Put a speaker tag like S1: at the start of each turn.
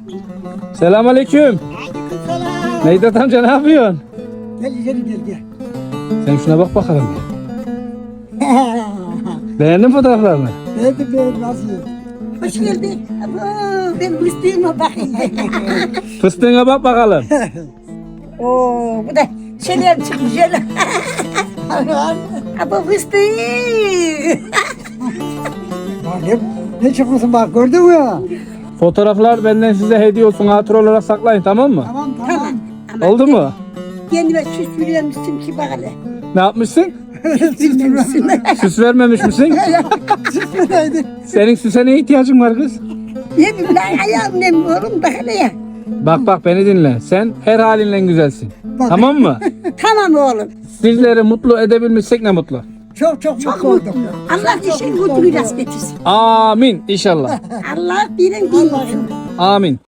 S1: Selamünaleyküm.
S2: Aleykümselam.
S1: Necdet amca ne yapıyorsun?
S2: Gel gel gel.
S1: Sen şuna bak bakalım. Beğendin mi fotoğraflarını?
S2: Ben nasıl?
S3: Hoş geldin. Abo, ben Müslüman'a bakayım.
S1: Fıstığına bak bakalım.
S3: Oo, bu da şeyler çıkmış öyle. Abo fıstık.
S2: Ne çıkmışsın bak gördün mü?
S1: Fotoğraflar benden size hediye olsun. Hatır olarak saklayın, tamam mı?
S2: Tamam
S3: Tamam. Ama
S1: Oldu mu?
S3: kendime süs veriyormuşsun ki bak hele.
S1: Ne yapmışsın?
S3: Bilmemişsin.
S1: Süs vermemiş misin? Senin süse ne ihtiyacın var kız?
S3: Ne bileyim lan ayağım ne mi oğlum bak hele ya.
S1: Bak beni dinle. Sen her halinle güzelsin. Tamam mı?
S3: Tamam oğlum.
S1: Sizleri mutlu edebilmişsek ne mutlu.
S2: Çok
S3: Çok
S2: mutlu
S3: mutlu.
S2: oldum.
S3: Allah işin mutlu rast getirsin.
S1: Amin inşallah.
S3: Allah birin bilmesin.
S1: Amin.